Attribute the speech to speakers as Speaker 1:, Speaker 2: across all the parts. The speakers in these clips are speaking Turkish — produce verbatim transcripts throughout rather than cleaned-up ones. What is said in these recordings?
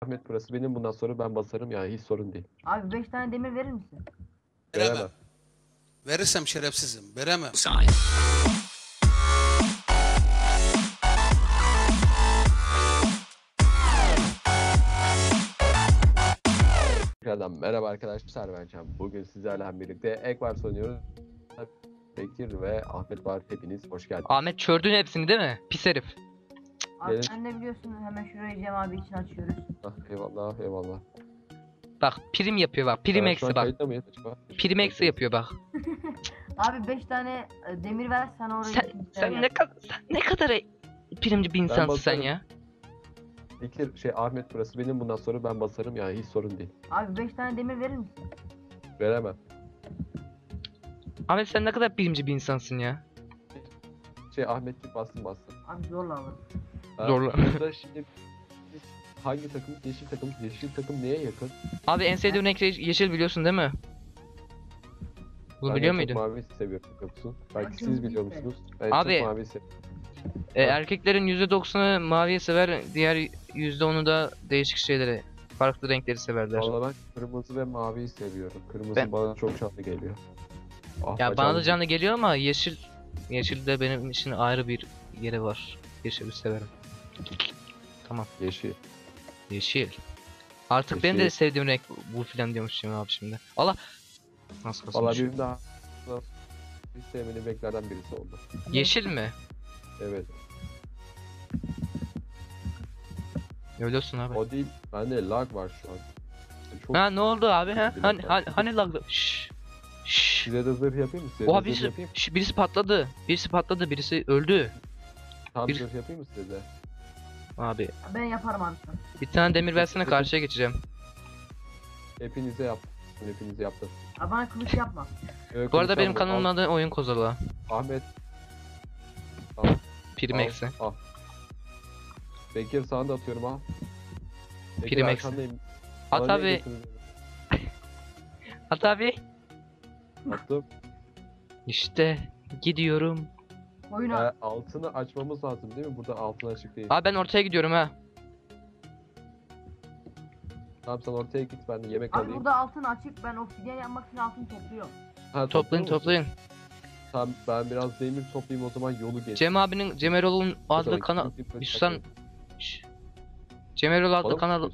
Speaker 1: Ahmet burası benim, bundan sonra ben basarım yani, hiç sorun değil.
Speaker 2: Abi beş tane demir verir misin?
Speaker 1: Veremem.
Speaker 3: Veremem. Verirsem şerefsizim. Veremem.
Speaker 1: Tekrardan merhaba arkadaşlar, ben Can. Bugün sizlerle birlikte Ekvars oynuyoruz. Bekir ve Ahmet var, hepiniz hoş geldiniz.
Speaker 4: Ahmet çördün hepsini değil mi? Pis herif.
Speaker 2: Abi
Speaker 1: Benim-
Speaker 2: sen de biliyorsun, hemen şurayı Cem abi için açıyoruz.
Speaker 1: Ah, eyvallah eyvallah.
Speaker 4: Bak prim yapıyor bak. Prim
Speaker 1: Evet, şu
Speaker 4: eksi
Speaker 1: an
Speaker 4: bak.
Speaker 1: kayıtta mıyız acaba?
Speaker 4: Prim eksi yapıyor bak.
Speaker 2: Abi beş tane e, demir ver, sana orayı
Speaker 4: Sen,
Speaker 2: ikinci
Speaker 4: sen
Speaker 2: sıraya
Speaker 4: ne
Speaker 2: yap.
Speaker 4: kadar sen ne kadar e- primci bir insansın sen
Speaker 1: basarım.
Speaker 4: ya.
Speaker 1: Bekir şey Ahmet burası benim, bundan sonra ben basarım yani, hiç sorun değil.
Speaker 2: Abi beş tane demir verir misin?
Speaker 1: Veremem.
Speaker 4: Ahmet sen ne kadar primci bir insansın ya.
Speaker 1: Şey Ahmetçik bastım bastım.
Speaker 2: Abi zorla alırım.
Speaker 1: Ha,
Speaker 4: Zorla.
Speaker 1: Burada şimdi biz hangi takım? Yeşil takım. Yeşil takım neye yakın?
Speaker 4: Abi en sevdiğin renk ye- yeşil biliyorsun değil mi? Bunu
Speaker 1: Ben
Speaker 4: biliyor
Speaker 1: en çok
Speaker 4: muydun?
Speaker 1: mavi seviyorum, biliyor musun? Belki
Speaker 2: Aşırı
Speaker 1: siz biliyor
Speaker 2: güzel.
Speaker 1: musunuz? Ben
Speaker 4: Abi.
Speaker 1: çok mavi seviyorum.
Speaker 4: E, erkeklerin yüzde doksanı maviyi sever, diğer yüzde onu da değişik şeyleri, farklı renkleri severler.
Speaker 1: Valla ben kırmızı ve maviyi seviyorum. Kırmızı
Speaker 4: Ben-
Speaker 1: bana çok canlı geliyor. Ah,
Speaker 4: Ya
Speaker 1: bacağım-
Speaker 4: bana da canlı geliyor ama yeşil yeşil de benim için ayrı bir yeri var. Yeşili severim. Tamam.
Speaker 1: Yeşil.
Speaker 4: Yeşil. Artık benim de
Speaker 1: Yeşil.
Speaker 4: sevdiğim renk bu filan diyormuşum abi şimdi. Allah. Nasıl
Speaker 1: Valla
Speaker 4: kasmış?
Speaker 1: benim daha hiç sevmediğim renklerden birisi oldu.
Speaker 4: Yeşil mi?
Speaker 1: Evet.
Speaker 4: Öylesin abi.
Speaker 1: O değil. Bende lag var şu an. Çok...
Speaker 4: Ha ne oldu abi ha?
Speaker 1: Bir
Speaker 4: Hani
Speaker 1: dakika.
Speaker 4: hani, hani laglı? Şşş. Şşş.
Speaker 1: Size de zırh yapayım mı? Size
Speaker 4: Oha
Speaker 1: de zırh
Speaker 4: birisi,
Speaker 1: yapayım.
Speaker 4: şş, birisi patladı. Birisi patladı, birisi öldü.
Speaker 1: Tam
Speaker 4: bir-
Speaker 1: zırh yapayım mı size de?
Speaker 4: Abi
Speaker 2: Ben yaparım abi sana.
Speaker 4: bir tane demir versene, karşıya geçeceğim.
Speaker 1: Hepinize yaptım. Hepinize yaptım.
Speaker 2: Abi bana kılıç yapma.
Speaker 1: Evet,
Speaker 4: Bu arada benim
Speaker 1: konuşalım.
Speaker 4: kanalımın adı Oyun Kozalağı.
Speaker 1: Al, Ahmet. Al.
Speaker 4: Prim
Speaker 1: al,
Speaker 4: eksi.
Speaker 1: Al. Bekir sana da atıyorum, al. Bekir
Speaker 4: Prim eksi.
Speaker 1: arkandayım.
Speaker 4: At
Speaker 1: Bana niye
Speaker 4: abi.
Speaker 1: getirdin?
Speaker 4: At abi.
Speaker 1: Attım.
Speaker 4: İşte gidiyorum.
Speaker 2: Oyun
Speaker 1: Ee,
Speaker 2: al.
Speaker 1: altını açmamız lazım değil mi? Burada altın açık değil.
Speaker 4: Abi ben ortaya gidiyorum ha.
Speaker 1: Tamam sen ortaya git, ben de yemek
Speaker 2: Abi
Speaker 1: alayım.
Speaker 2: burada altın açık, ben obsidyen yapmak için altın topluyorum.
Speaker 1: Ha,
Speaker 4: Toplayın
Speaker 1: topluyor musun?
Speaker 4: toplayın.
Speaker 1: Tamam ben biraz demir toplayayım, o zaman yolu geç.
Speaker 4: Cem abinin Cem Erol'un adlı kanal. Bir susan. Şşş. Cem Erol adlı kanal.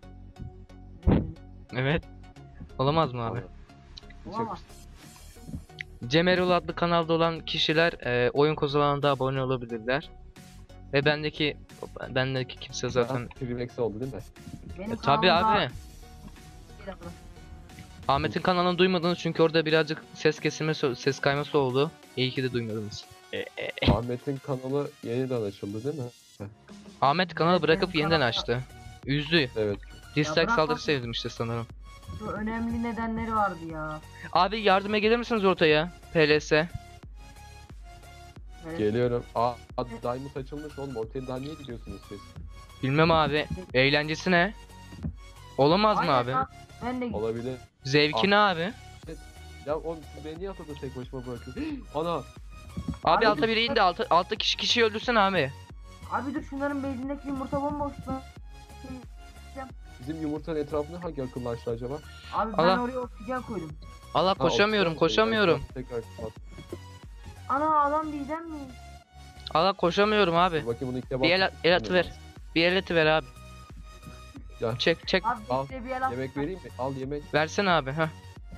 Speaker 4: Evet. Olamaz mı abi?
Speaker 2: Olamaz.
Speaker 4: Cem Erol adlı kanalda olan kişiler e, Oyun Kozalağı'na da abone olabilirler. Ve bendeki bendeki kimse zaten
Speaker 1: Primex oldu değil mi?
Speaker 2: Benim
Speaker 4: e, tabi
Speaker 2: kanalımda-
Speaker 4: abi.
Speaker 2: Bir dakika.
Speaker 4: Ahmet'in kanalını duymadınız çünkü orada birazcık ses kesilme, ses kayması oldu. İyi ki de duymadınız.
Speaker 1: Ahmet'in kanalı yeniden açıldı değil mi?
Speaker 4: Ahmet kanalı
Speaker 2: Evet,
Speaker 4: bırakıp
Speaker 2: benim
Speaker 4: yeniden
Speaker 2: kanalda-
Speaker 4: açtı. Üzdü.
Speaker 1: Evet.
Speaker 4: Dislike
Speaker 2: bırak
Speaker 4: saldırısı
Speaker 2: bak-
Speaker 4: sevdim işte sanırım.
Speaker 2: Şu önemli nedenleri vardı ya.
Speaker 4: Abi yardıma gelir misiniz ortaya? P L S.
Speaker 2: Evet.
Speaker 1: Geliyorum. Aa, Diamond açılmış oğlum. Ortaya daha niye gidiyorsunuz siz?
Speaker 4: Bilmem abi. Eğlencesi ne? Olamaz mı
Speaker 2: Aynen
Speaker 4: abi?
Speaker 2: lan, ben de
Speaker 1: Olabilir.
Speaker 4: Zevki ne abi?
Speaker 1: Ya oğlum siz beni niye atada tek başıma bırakıyorsunuz? Ana!
Speaker 4: Abi
Speaker 2: Abi
Speaker 4: altta
Speaker 2: biz-
Speaker 4: biri indi. Altta, altta kişi kişiyi öldürsene abi.
Speaker 2: Abi dur, şunların bezindeki yumurta bomboş lan.
Speaker 1: Bizim yumurtanın etrafında hangi akıllı açtı acaba?
Speaker 2: Abi ben
Speaker 4: Allah.
Speaker 2: oraya oksijen koydum.
Speaker 4: Allah
Speaker 1: Ha,
Speaker 4: koşamıyorum,
Speaker 1: oksijen-
Speaker 4: koşamıyorum.
Speaker 1: Tekrar kapat.
Speaker 2: Ana adam diyeceğim mi?
Speaker 4: Allah koşamıyorum abi.
Speaker 1: Dur bakayım bunu ikiye
Speaker 4: Bir el,
Speaker 1: bas.
Speaker 4: el atı ver. Bir el atı ver abi.
Speaker 1: Ya.
Speaker 4: Çek çek.
Speaker 2: Abi
Speaker 1: Al,
Speaker 2: işte bir el at.
Speaker 1: Yemek vereyim mi? Al yemek.
Speaker 4: Versene abi. Heh.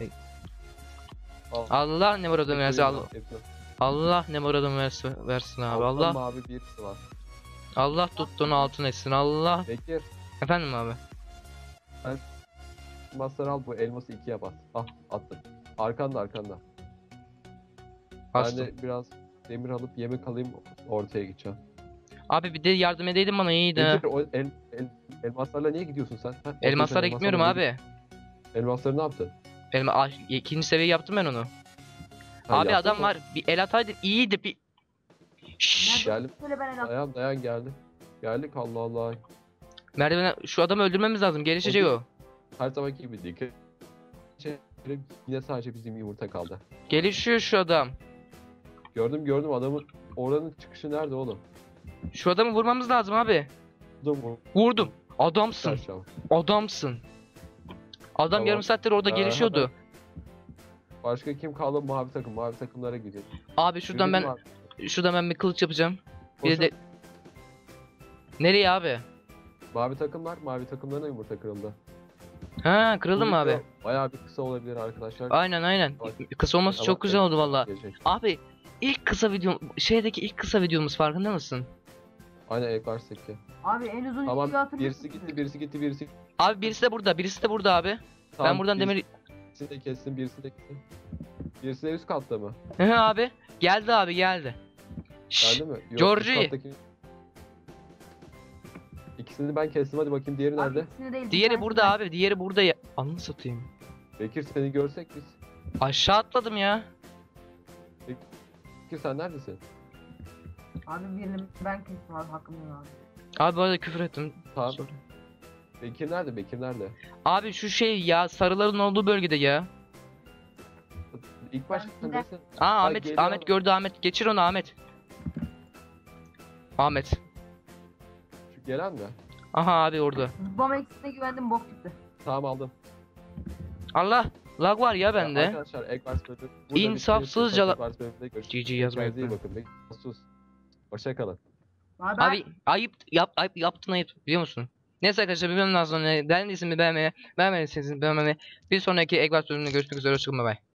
Speaker 1: Al.
Speaker 4: Allah ne muradın versin.
Speaker 1: Hepsini
Speaker 4: Allah,
Speaker 1: al, hepsini al.
Speaker 4: Allah ne muradın versin, versin abi.
Speaker 1: Altta
Speaker 4: Allah
Speaker 1: mavi birisi var.
Speaker 4: Allah tuttuğunu altın etsin. Allah.
Speaker 1: Bekir.
Speaker 4: Efendim abi.
Speaker 1: Masları al, bu elması ikiye bas. Ah attım. Arkanda arkanda.
Speaker 4: Bastım.
Speaker 1: Ben de biraz demir alıp yemek alayım, ortaya gideceğim.
Speaker 4: Abi bir de yardım edeydin bana, iyiydi ha.
Speaker 1: Bekir, o el, el, elmaslarla niye gidiyorsun sen? Ha, ortaya
Speaker 4: Elmaslara
Speaker 1: sen
Speaker 4: gitmiyorum
Speaker 1: elmaslarla
Speaker 4: abi.
Speaker 1: git. Elmasları ne yaptın?
Speaker 4: Elma, ah, ikinci seviye yaptım ben onu.
Speaker 1: Ha,
Speaker 4: Abi
Speaker 1: yaptın
Speaker 4: adam
Speaker 1: mı?
Speaker 4: var. Bir el ataydın iyiydi bir. Şşş.
Speaker 1: Geldim.
Speaker 2: Şöyle ben el at.
Speaker 1: Dayan dayan geldim. Geldik Allah Allah.
Speaker 4: Merdivene şu adamı öldürmemiz lazım. Gelişecek o.
Speaker 1: Her zamanki gibi dikkat. Şey, yine sadece bizim yumurta kaldı.
Speaker 4: Gelişiyor şu adam.
Speaker 1: Gördüm gördüm adamın, oranın çıkışı nerede oğlum?
Speaker 4: Şu adamı vurmamız lazım abi.
Speaker 1: Vurdum, vurdum.
Speaker 4: Vurdum. Adamsın.
Speaker 1: Aşağı.
Speaker 4: Adamsın. Adam
Speaker 1: Tamam.
Speaker 4: yarım saattir orada
Speaker 1: Ee,
Speaker 4: gelişiyordu.
Speaker 1: Başka kim kaldı? Mavi takım. Mavi takımlara gidelim.
Speaker 4: Abi şuradan
Speaker 1: Yürüyün
Speaker 4: ben
Speaker 1: abi.
Speaker 4: şuradan ben bir kılıç yapacağım. Bir
Speaker 1: Koşun.
Speaker 4: de nereye abi?
Speaker 1: Mavi takımlar. Mavi takımlarına yumurta kırıldı.
Speaker 4: Ha, kırıldı
Speaker 1: Bu
Speaker 4: mı abi?
Speaker 1: video Bayağı bir kısa olabilir arkadaşlar.
Speaker 4: Aynen aynen.
Speaker 1: Bak.
Speaker 4: Kısa olması
Speaker 1: Ama
Speaker 4: çok güzel oldu valla.
Speaker 1: gelecek.
Speaker 4: Abi ilk kısa video şeydeki ilk kısa videomuz farkında mısın?
Speaker 1: Aynen Ekvar Seki.
Speaker 2: Abi en uzun
Speaker 1: Tamam
Speaker 2: videoyu hatırlıyor
Speaker 1: birisi
Speaker 2: musun?
Speaker 1: gitti, birisi gitti, birisi
Speaker 4: Abi birisi de burada, birisi de burada abi.
Speaker 1: Tamam,
Speaker 4: Ben buradan demir
Speaker 1: Birisini de kessin, birisi de kessin. Birisi de üst katta mı?
Speaker 4: Hı hı abi. Geldi abi geldi. Şşş.
Speaker 1: Geldi mi? Yok,
Speaker 4: Georgie.
Speaker 1: üst kattaki- İkisini ben kestim, hadi bakayım diğeri
Speaker 2: Abi
Speaker 1: nerede?
Speaker 2: ikisini değil, bir
Speaker 4: Diğeri
Speaker 2: tanesini
Speaker 4: burada
Speaker 2: ben-
Speaker 4: abi. Diğeri burada ya. Anını satayım.
Speaker 1: Bekir seni görsek biz.
Speaker 4: Aşağı atladım ya.
Speaker 1: Bekir sen neredesin?
Speaker 2: Abi birini ben kestim abi, hakkım yok abi.
Speaker 4: Abi bu arada küfür ettim.
Speaker 1: Tamam.
Speaker 4: Sorry.
Speaker 1: Bekir nerede? Bekir nerede?
Speaker 4: Abi şu şey ya, sarıların olduğu bölgede ya.
Speaker 1: İlk başta
Speaker 2: Ben
Speaker 1: sen
Speaker 2: de-
Speaker 1: neresin?
Speaker 4: Aa
Speaker 1: Ay,
Speaker 4: Ahmet
Speaker 1: geliyor
Speaker 4: Ahmet
Speaker 1: ama.
Speaker 4: gördü Ahmet. Geçir onu Ahmet. Ahmet.
Speaker 1: Şu gelen mi?
Speaker 4: Aha abi orada.
Speaker 2: Bom eksisine güvendim, bok çıktı.
Speaker 1: Tamam aldım.
Speaker 4: Allah lag var ya
Speaker 1: Ya
Speaker 4: bende.
Speaker 1: Arkadaşlar Ekvars bölümü. burada
Speaker 4: İnsafsızca
Speaker 1: bitiriyoruz.
Speaker 4: la-
Speaker 1: Ekvars bölümünde görüşürüz.
Speaker 4: G G yazmayı
Speaker 1: Kendinize iyi
Speaker 4: unutmayın.
Speaker 1: bakın. Bekir, sus. Hoşça kalın.
Speaker 2: Abi, ben-
Speaker 4: Abi ayıp yap ayıp yaptın ayıp biliyor musun? Neyse arkadaşlar bir bölümden sonra beğendiyseniz beğenmeyi, beğenmediyseniz beğenmeyi. Bir sonraki Eggbars bölümünde görüşmek üzere. Hoşçakalın, bay bay.